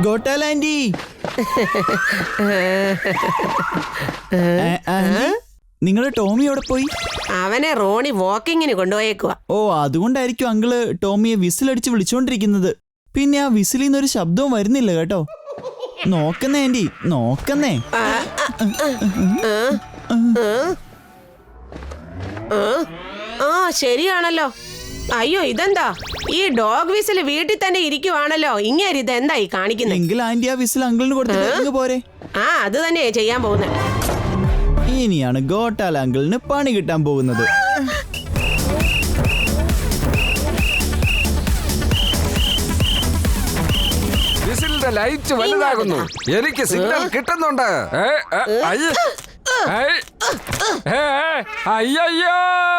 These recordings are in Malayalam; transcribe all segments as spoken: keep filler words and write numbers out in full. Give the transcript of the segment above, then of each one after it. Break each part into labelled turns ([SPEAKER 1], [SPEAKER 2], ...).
[SPEAKER 1] ഗോട്ടാൽ ആന്റി. നിങ്ങളുടെ ടോമി എവിടെ പോയി?
[SPEAKER 2] അവനെ റോണി വാക്കിങ്ങിന് കൊണ്ടുപോയേക്കുവാ.
[SPEAKER 1] ഓ, അതുകൊണ്ടായിരിക്കും അങ്കിള് ടോമിയെ വിസിലടിച്ച് വിളിച്ചോണ്ടിരിക്കുന്നത്. പിന്നെ ആ വിസിലിൽ നിന്നൊരു ശബ്ദവും വരുന്നില്ല കേട്ടോ. നോക്കുന്നേ ആന്റി, നോക്കുന്നേ.
[SPEAKER 2] ആ ശരിയാണല്ലോ. അയ്യോ ഇതെന്താ ഈ ഡോഗ് വിസിൽ വീട്ടിൽ തന്നെ ഇരിക്കുവാണല്ലോ. ഇങ്ങനെ ഇതെന്താ ഈ കാണിക്കുന്നത്?
[SPEAKER 1] എങ്കിൽ ആന്റി ആ വിസിൽ അങ്കിളിന് കൊടുത്തിട്ട് പോരെ.
[SPEAKER 2] ആ അത് തന്നെയാ ചെയ്യാൻ പോകുന്നത്.
[SPEAKER 1] ഇനിയാണ് ഗോട്ടാൽ അങ്കിളിന് പണി കിട്ടാൻ പോകുന്നത്.
[SPEAKER 3] വിസിലിന്റെ ലൈറ്റ് വലുതാകുന്നു. എനിക്ക് സിഗ്നൽ കിട്ടുന്നുണ്ട്. അയ്യോ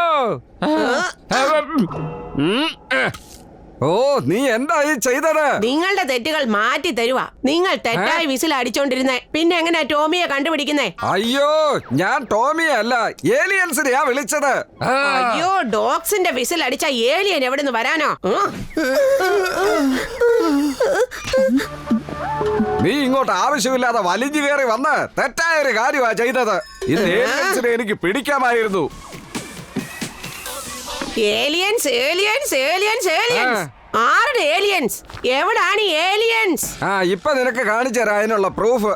[SPEAKER 3] ഓ, നീ എന്താ ഈ ചെയ്തത്?
[SPEAKER 2] നിങ്ങളുടെ തെറ്റുകൾ മാറ്റി തരുവാ. നിങ്ങൾ തെറ്റായി വിസിൽ അടിച്ചോണ്ടിരുന്നേ. പിന്നെ എങ്ങനെയാ ടോമിയെ കണ്ടുപിടിക്കുന്നേ?
[SPEAKER 3] അയ്യോ, ഞാൻ ടോമിയെ അല്ല ഏലിയൻസിനെയാ വിളിച്ചത്.
[SPEAKER 2] അയ്യോ, ഡോഗ്സിന്റെ വിസിൽ അടിച്ച ഏലിയൻ എവിടുന്ന് വരാനോ?
[SPEAKER 3] നീ ഇങ്ങോട്ട് ആവശ്യമില്ലാതെ വലിഞ്ഞു കയറി വന്ന് തെറ്റായ ഒരു കാര്യമാ ചെയ്തത്. ഇത് ഏലിയൻസിനെ എനിക്ക് പിടിക്കാമായിരുന്നു.
[SPEAKER 2] ഏലിയൻസ് ഏലിയൻസ് ഏലിയൻസ് ഏലിയൻസ് ആരുടെ ഏലിയൻസ്? എവിടാണ് ഏലിയൻസ്?
[SPEAKER 3] ആ ഇപ്പൊ നിനക്ക് കാണിച്ചു തരാം അതിനുള്ള പ്രൂഫ്.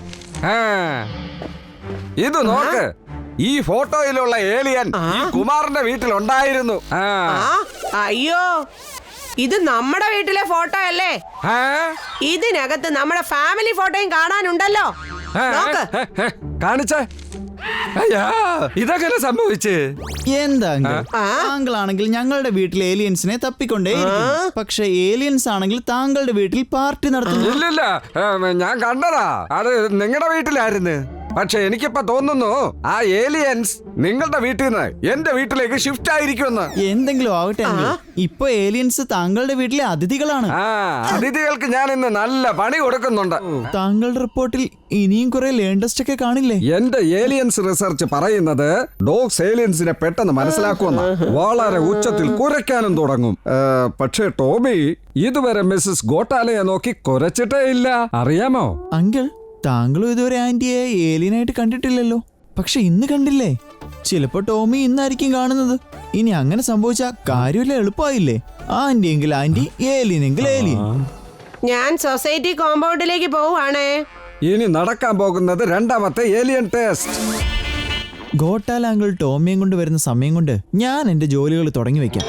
[SPEAKER 3] ഇത് നോക്ക്, ഈ ഫോട്ടോയിലുള്ള ഏലിയൻ ഈ കുമാറിന്റെ വീട്ടിലുണ്ടായിരുന്നു.
[SPEAKER 2] അയ്യോ, ഇത് നമ്മുടെ വീട്ടിലെ ഫോട്ടോ അല്ലേ? ഇതിനകത്ത് നമ്മുടെ ഫാമിലി ഫോട്ടോയും കാണാനുണ്ടല്ലോ.
[SPEAKER 3] കാണിച്ചേ. അയ്യാ, ഇതെങ്ങനെ സംഭവിച്ച്?
[SPEAKER 1] എന്താ താങ്കൾ ആണെങ്കിൽ ഞങ്ങളുടെ വീട്ടിൽ ഏലിയൻസിനെ തപ്പിക്കൊണ്ടേ, പക്ഷെ ഏലിയൻസ് ആണെങ്കിൽ താങ്കളുടെ വീട്ടിൽ പാർട്ടി നടത്തുന്നു.
[SPEAKER 3] ഇല്ലില്ല, ഞാൻ കണ്ടതാ. അത് നിങ്ങളുടെ വീട്ടിലായിരുന്നു. പക്ഷെ എനിക്കിപ്പോ തോന്നുന്നു ആ ഏലിയൻസ് നിങ്ങളുടെ വീട്ടിൽ നിന്ന് എന്റെ വീട്ടിലേക്ക് ഷിഫ്റ്റ് ആയിരിക്കുമെന്ന്.
[SPEAKER 1] എന്തെങ്കിലും ആവട്ടെ, ഇപ്പൊ ഏലിയൻസ് താങ്കളുടെ വീട്ടിലെ അതിഥികളാണ്.
[SPEAKER 3] ആ അതിഥികൾക്ക് ഞാൻ ഇന്ന് നല്ല പണി കൊടുക്കുന്നുണ്ട്.
[SPEAKER 1] താങ്കളുടെ റിപ്പോർട്ടിൽ ഇനിയും കുറെ ലേണ്ടസ്റ്റ് ഒക്കെ കാണില്ലേ?
[SPEAKER 3] എന്റെ ഏലിയൻസ് റിസർച്ച് പറയുന്നത് ഡോഗ്സ് ഏലിയൻസിനെ പെട്ടെന്ന് മനസ്സിലാക്കുമെന്ന്. വളരെ ഉച്ചത്തിൽ കുരയ്ക്കാനും തുടങ്ങും. പക്ഷേ ടോമി ഇതുവരെ മിസ്സസ് ഗോട്ടാലയെ നോക്കി കുരച്ചിട്ടേ ഇല്ല, അറിയാമോ?
[SPEAKER 1] അങ്കിൾ, താങ്കളും ഇതുവരെ ആന്റിയെ ഏലിയനായിട്ട് കണ്ടിട്ടില്ലല്ലോ. പക്ഷെ ഇന്ന് കണ്ടില്ലേ? ചിലപ്പോ ടോമി ഇന്നായിരിക്കും കാണുന്നത്. ഇനി അങ്ങനെ സംഭവിച്ച കാര്യമില്ല, എളുപ്പമായില്ലേ? ആന്റി എങ്കിൽ ആന്റി, ഏലിയൻ എങ്കിൽ ഏലിയൻ.
[SPEAKER 2] ഞാൻ സൊസൈറ്റി കോമ്പൗണ്ടിലേക്ക് പോവാണേ.
[SPEAKER 3] ഇനി നടക്കാൻ പോകുന്നത് രണ്ടാമത്തെ ഏലിയൻ ടെസ്റ്റ്.
[SPEAKER 1] ഗോട്ടാൽ അങ്കിൾ ടോമിയും കൊണ്ട് വരുന്ന സമയം കൊണ്ട് ഞാൻ എന്റെ ജോലികൾ തുടങ്ങി വെക്കാം.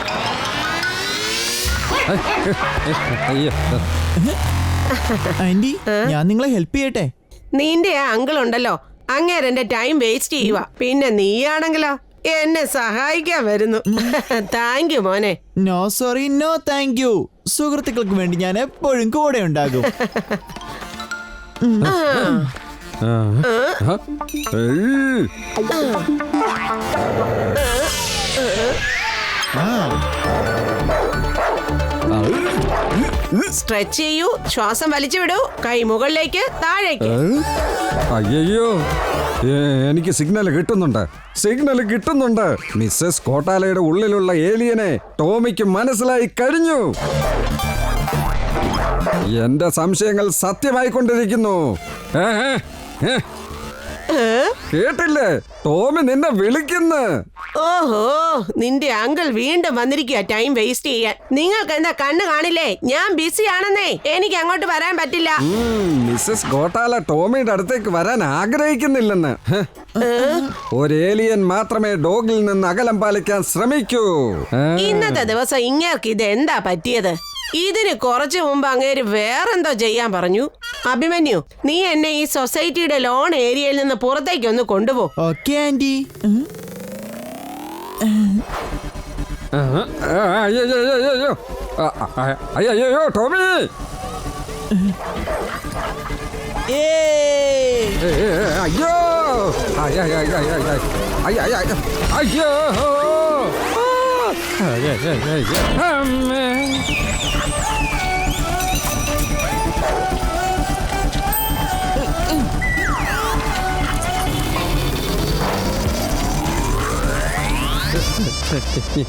[SPEAKER 1] ആന്റി, ഞാൻ നിങ്ങളെ ഹെൽപ്പ് ചെയ്യട്ടെ?
[SPEAKER 2] നിന്റെ ആ അങ്കിൾ ഉണ്ടല്ലോ, അങ്ങേരെ എന്റെ ടൈം വേസ്റ്റ് ചെയ്യുക. പിന്നെ നീയാണെങ്കിലോ എന്നെ സഹായിക്കാൻ വരുന്നു. താങ്ക് യു മോനെ.
[SPEAKER 1] No sorry, no thank you. സുഹൃത്തുക്കൾക്ക് വേണ്ടി ഞാൻ എപ്പോഴും കൂടെ ഉണ്ടാകും.
[SPEAKER 2] സ്ട്രെച്ച് ചെയ്യൂ, ശ്വാസം വലിച്ചു വിടൂ, കൈ മുകളിലേക്ക് താഴേക്ക്.
[SPEAKER 3] അയ്യോ, എനിക്ക് സിഗ്നൽ കിട്ടുന്നുണ്ട്, സിഗ്നൽ കിട്ടുന്നുണ്ട്. മിസ്സസ് ഗോട്ടാലയുടെ ഉള്ളിലുള്ള ഏലിയനെ ടോമിക്ക് മനസ്സിലായി കഴിഞ്ഞു. എന്റെ സംശയങ്ങൾ സത്യമായിക്കൊണ്ടിരിക്കുന്നു. കേട്ടില്ലേ, ടോമി നിന്നെ വിളിക്കുന്നു.
[SPEAKER 2] ഓഹോ, നിന്റെ അങ്കിൾ വീണ്ടും വന്നിരിക്കുക ടൈം വേസ്റ്റ് ചെയ്യാൻ. നിങ്ങൾക്ക് എന്താ കണ്ണ് കാണില്ലേ? ഞാൻ ബിസി ആണെന്നേ, എനിക്ക് അങ്ങോട്ട് വരാൻ പറ്റില്ല.
[SPEAKER 3] മിസ്സസ് ഗോട്ടാല ടോമിയുടെ അടുത്തേക്ക് വരാൻ ആഗ്രഹിക്കുന്നില്ലെന്ന്. ഒരു ഏലിയൻ മാത്രമേ ഡോഗിൽ നിന്ന് അകലം പാലിക്കാൻ ശ്രമിക്കൂ.
[SPEAKER 2] ഇന്നത്തെ ദിവസം ഇങ്ങേർക്ക് ഇത് എന്താ പറ്റിയത്? ഇതിന് കുറച്ചു മുമ്പ് അങ്ങേര് വേറെന്തോ ചെയ്യാൻ പറഞ്ഞു. അഭിമന്യു, നീ എന്നെ ഈ സൊസൈറ്റിയുടെ ലോൺ ഏരിയയിൽ നിന്ന് പുറത്തേക്ക് ഒന്ന് കൊണ്ടുപോ.
[SPEAKER 1] Okay aunty.
[SPEAKER 3] അയ്യോ ടോമി, അയ്യോ അയ്യോ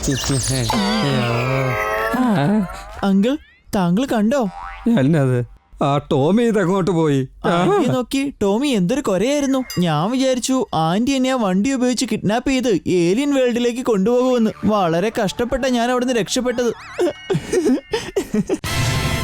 [SPEAKER 1] അങ്കിൾ, താങ്കൾ കണ്ടോ?
[SPEAKER 3] എന്നത് ആ ടോമി ഇതെങ്ങോട്ട് പോയി?
[SPEAKER 1] ആന്റിയെ നോക്കി ടോമി എന്തൊരു കൊരയായിരുന്നു. ഞാൻ വിചാരിച്ചു ആന്റി എന്നെ ആ വണ്ടി ഉപയോഗിച്ച് കിഡ്നാപ്പ് ചെയ്ത് ഏലിയൻ വേൾഡിലേക്ക് കൊണ്ടുപോകുമെന്ന്. വളരെ കഷ്ടപ്പെട്ട ഞാൻ അവിടുന്ന് രക്ഷപ്പെട്ടത്.